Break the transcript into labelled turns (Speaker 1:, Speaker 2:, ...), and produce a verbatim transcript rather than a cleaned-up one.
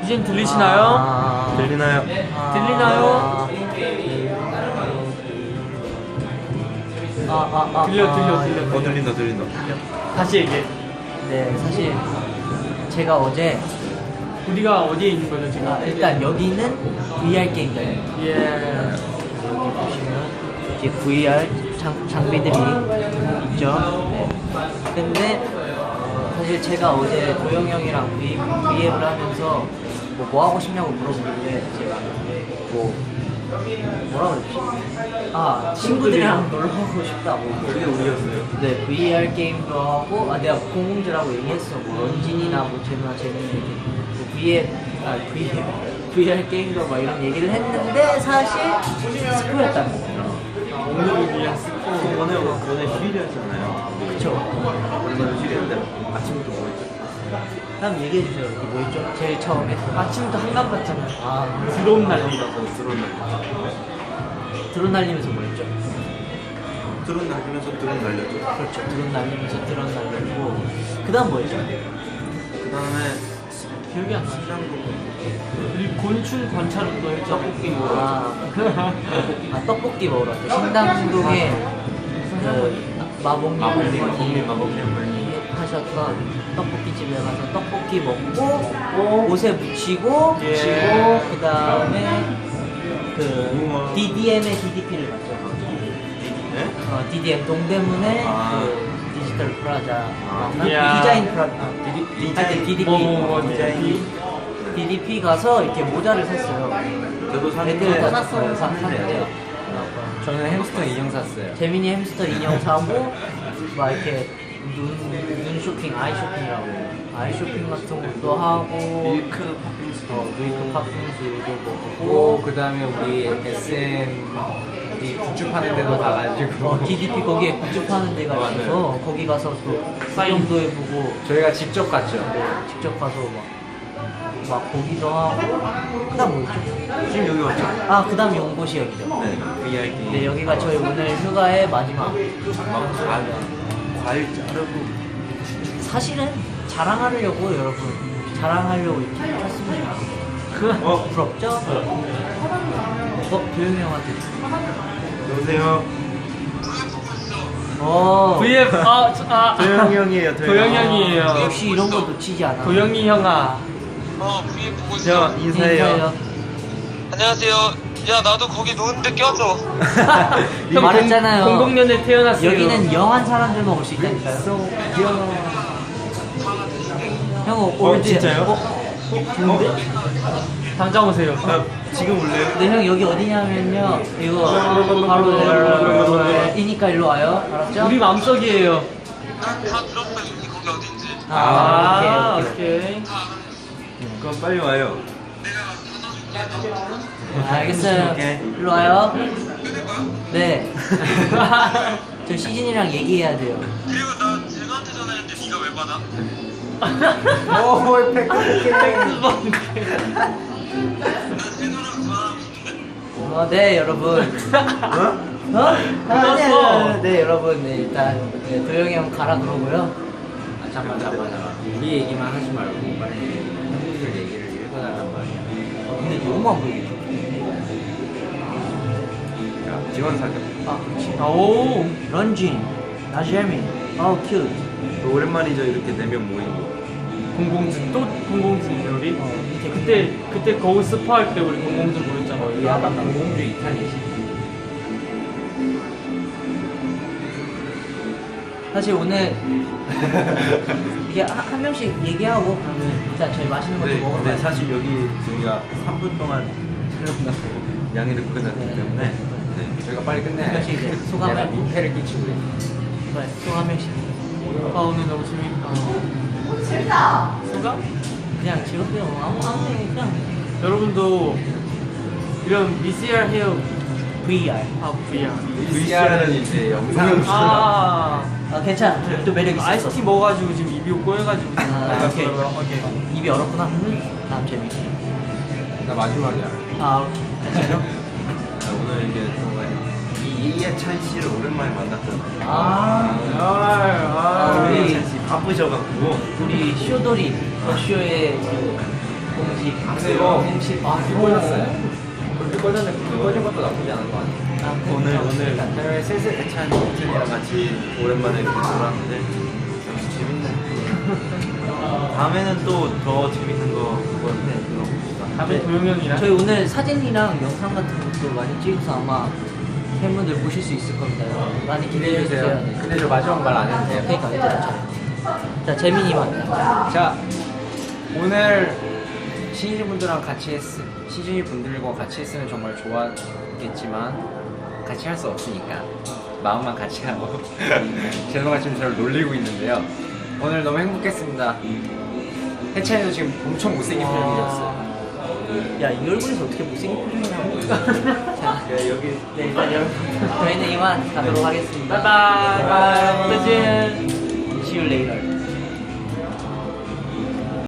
Speaker 1: 이젠 들리시나요?
Speaker 2: 아,
Speaker 3: 들리나요?
Speaker 2: 아,
Speaker 1: 들리나요?
Speaker 2: 아, 아, 아,
Speaker 1: 들려,
Speaker 2: 아,
Speaker 1: 들려, 들려.
Speaker 3: 어 들린다 들린다.
Speaker 1: 다시 얘기해.
Speaker 2: 네, 사실 제가 어제
Speaker 1: 우리가 어디에 있는 거죠 지금?
Speaker 2: 아, 일단 여기는 브이알 게임이에요.
Speaker 1: 예.
Speaker 2: 여기 보시면 이제 브이알 장, 장비들이 있죠. 네. 근데 어, 사실 제가 어제 도영 형이랑 브이, 브이앱을 하면서 뭐, 뭐 하고 싶냐고 물어보는데 제가 뭐 뭐라 그랬지? 아 친구들이랑 놀러 가고 싶다고.
Speaker 3: 그게 우리였어요.
Speaker 2: 네, 브이알 게임도 하고, 아, 내가 공공지라고 얘기했어. 뭐, 런진이나 뭐, 제누나, 제누나, 이렇게. 뭐, 브이앱, 아, 브이앱, 브이알 게임도 막 이런 얘기를 했는데, 사실, 스포였다는 거예요.
Speaker 1: 오늘을 위한 스포.
Speaker 3: 오늘 오늘 휴일이었잖아요.
Speaker 2: 그쵸.
Speaker 3: 오늘 휴일이었는데 아침부터 뭐 했죠?
Speaker 2: 다음 얘기해주세요. 이게 뭐 있죠? 제일 처음에.
Speaker 1: 아침부터 한강 갔잖아.
Speaker 2: 아,
Speaker 1: 드론 날리라고.
Speaker 3: 드론 날려.
Speaker 2: 드론 날리면서 뭐 했죠?
Speaker 3: 드론 날리면서 드론 날렸죠.
Speaker 2: 그렇죠. 드론 날리면서 드론 날리고. 그 다음 뭐 했죠?
Speaker 3: 그 다음에
Speaker 1: 기억이 안 나.
Speaker 3: 시장도
Speaker 1: 그리고 곤충 관찰도 했죠. 떡볶이 먹으러.
Speaker 2: 아, 아, 떡볶이 먹으러 왔죠. 신당동에 그 마봉님
Speaker 3: 마법님
Speaker 2: 어머니
Speaker 3: 마법님 마법님
Speaker 2: 하셨던 떡볶이 집에 가서 떡볶이 먹고 옷에 묻히고
Speaker 1: 예.
Speaker 2: 묻히고 그 다음에 그
Speaker 3: 우와.
Speaker 2: 디디엠의 디디피를 갔죠.
Speaker 3: 네?
Speaker 2: 어, 디디엠 동대문에
Speaker 3: 아.
Speaker 2: 그 디지털 프라자
Speaker 3: 아.
Speaker 2: 맞나?
Speaker 1: 이야.
Speaker 2: 디자인 프라자 아, 디디, 하여튼 디디피
Speaker 1: 뭐, 뭐, 뭐,
Speaker 2: 디자인 디디피 가서 이렇게 모자를 샀어요.
Speaker 3: 저도 샀는데
Speaker 2: 애들 다 샀어요. 샀는데
Speaker 4: 저는 햄스터 인형 샀어요.
Speaker 2: 재민이 햄스터 인형 사고 막 이렇게 눈, 눈 쇼핑, 아이 쇼핑이라고 아이 쇼핑 같은 것도 하고
Speaker 3: 밀크
Speaker 2: 어, 밀크 팥빙수도
Speaker 4: 오,
Speaker 2: 먹고
Speaker 4: 그 다음에 우리 에스엠 우리 굿즈 파는 데도 가가지고
Speaker 2: 어, 디디피 거기에 굿즈 파는 데가
Speaker 3: 어,
Speaker 2: 있어서 거기 가서 또 사인도 해보고
Speaker 4: 저희가 직접 갔죠.
Speaker 2: 직접 가서 막, 막 보기도 하고 그 다음 뭐였죠?
Speaker 3: 지금 여기 왔죠?
Speaker 2: 아, 그 다음 연고시역이죠.
Speaker 3: 네. 브이알 게임.
Speaker 2: 네, 여기가 저희 오늘 휴가의 마지막
Speaker 3: 막 과일 과일 자르고
Speaker 2: 사실은 자랑하려고 여러분 자랑하려고 이렇게 켰습니다.
Speaker 3: 어?
Speaker 2: 부럽죠? 어? 도영이 형한테
Speaker 3: 여보세요.
Speaker 2: 어
Speaker 1: 브이앱 아, 저- 아
Speaker 3: 도영이 형이에요.
Speaker 1: 도영이 형이에요.
Speaker 2: 역시 이런 거 놓치지 않아.
Speaker 1: 도영이 형아.
Speaker 5: 어, 브이앱 보고 있어.
Speaker 3: 형 인사해요.
Speaker 5: 안녕하세요. 야, 나도 거기 노는데 껴줘.
Speaker 1: 형
Speaker 2: 말했잖아요.
Speaker 1: 공공 년에 태어났어요.
Speaker 2: 여기는 영한 사람들만 올 수 있다니까요. 형 올드
Speaker 3: 진짜요?
Speaker 2: 어? 좋은데?
Speaker 1: 당장 오세요.
Speaker 3: 아, 지금 올래요?
Speaker 2: 근데 형 여기 어디냐면요 이거 바로 이니까 일로 와요. 알았죠?
Speaker 1: 우리 마음속이에요.
Speaker 5: 다, 다 들었어. 여기 거기 어딘지.
Speaker 2: 아,
Speaker 1: 아,
Speaker 2: 오케이, 오케이.
Speaker 1: 오케이.
Speaker 3: 그럼 빨리 와요.
Speaker 2: 알겠어요.
Speaker 3: 오케이.
Speaker 2: 일로 와요. 네. 저 시진이랑 얘기해야 돼요.
Speaker 5: 그리고 나 제노한테 전화했는데 네가 왜 받아?
Speaker 4: 오, 팩
Speaker 5: 나 제노랑 전화하고 싶은데.
Speaker 2: 어, 네, 여러분.
Speaker 3: 어?
Speaker 2: 어? 아, 네, 네, 네, 여러분. 네, 일단 네, 도영이 형 가라 그러고요.
Speaker 4: 아, 잠깐 잠깐 잠깐. 우리 얘기만 하지 말고 빨리 한국들 얘기를 읽어달란 말이야.
Speaker 2: 어, 근데 너무 안 보이겠죠?
Speaker 3: 야, 지원 사격.
Speaker 2: 아, 그렇지.
Speaker 1: 오.
Speaker 2: 런쥔, 나재민, 어우, 큐트.
Speaker 3: 오랜만이죠 이렇게 네 명 모인 거.
Speaker 1: 공공진 또 공공진이죠 우리.
Speaker 2: 어, 밑에
Speaker 1: 그때 그때 거울 스파할 때 우리 공공진 모였잖아.
Speaker 2: 야간
Speaker 4: 공공주 이 탄이지.
Speaker 2: 사실 오늘 이게 한, 한 명씩 얘기하고 그러면 일단 저희 맛있는 것도
Speaker 3: 네,
Speaker 2: 먹으러
Speaker 3: 근데
Speaker 2: 가요.
Speaker 3: 사실 여기 저희가 삼 분 동안 촬영하고 양해를 구해놨기
Speaker 2: 네.
Speaker 3: 때문에 네.
Speaker 4: 저희가 빨리 끝내야
Speaker 2: 한 명씩 이제 소감을
Speaker 4: 내가 민폐를 끼치고 그래.
Speaker 2: 그래, 또한 명씩.
Speaker 1: 아 오늘 너무 재밌다.
Speaker 2: 재밌다.
Speaker 1: 소감?
Speaker 2: 그냥 즐겁게요. 아무 아무 그냥
Speaker 1: 여러분도 이런 비씨알 헤어
Speaker 2: 브이알.
Speaker 1: 아 브이알.
Speaker 4: 브이알은 이제 영상.
Speaker 1: 아.
Speaker 2: 아 괜찮아. 또 매력 있어.
Speaker 1: 아이스티 먹어가지고 지금 입이 꼬여가지고.
Speaker 2: 아, 오케이.
Speaker 1: 오케이.
Speaker 2: 입이 얼었구나. 다음 재밌게.
Speaker 4: 나 마지막이야.
Speaker 2: 아 괜찮아요?
Speaker 3: 자, 오늘 이게 정말 이 이해찬 씨를 오랜만에 만났잖아요.
Speaker 2: 아
Speaker 1: 아,
Speaker 2: 우리-
Speaker 3: 이해찬 씨 바쁘셔갖고
Speaker 2: 우리 쇼돌이 더 쇼의 그 공식
Speaker 4: 그거
Speaker 2: 공식
Speaker 4: 불 꺼졌어요. 불 꺼졌는데 불 꺼진 것도 나쁘지 않은 것 같아요.
Speaker 2: 아,
Speaker 3: 오늘
Speaker 2: 그렇죠.
Speaker 3: 오늘
Speaker 2: 그러니까
Speaker 3: 해외 슬슬 대찬 팀이랑 같이 오랜만에 이렇게 놀았는데 역시 재밌네. 다음에는 또 더 재밌는 거 그건데 들어봅시다.
Speaker 1: 다음에 도영 형이랑
Speaker 2: 저희 오늘 사진이랑 영상 같은 것도 많이 찍어서 아마 팬분들 보실 수 있을 겁니다. 많이 기대해 주세요. 네.
Speaker 4: 근데 저 마지막 말 안 해도 돼요?
Speaker 2: 그러니까 얘들아 저. 자 재민이만.
Speaker 4: 자, 오늘 신지 분들랑 같이 했, 신지 분들과 같이 했으면 정말 좋았겠지만 같이 할 수 없으니까 마음만 같이 하고 제노가 지금 저를 놀리고 있는데요. 오늘 너무 행복했습니다. 해찬이도 지금 엄청 못생긴 표정이었어요.
Speaker 2: 야 이 얼굴에서 어떻게 못생긴 표정이냐고. 자
Speaker 3: 야, 여기
Speaker 2: 네, 일단 여러분 저희는 이만 가도록 하겠습니다.
Speaker 1: 바이바이.
Speaker 2: 바이바이.
Speaker 1: 짜잔.
Speaker 2: See you later.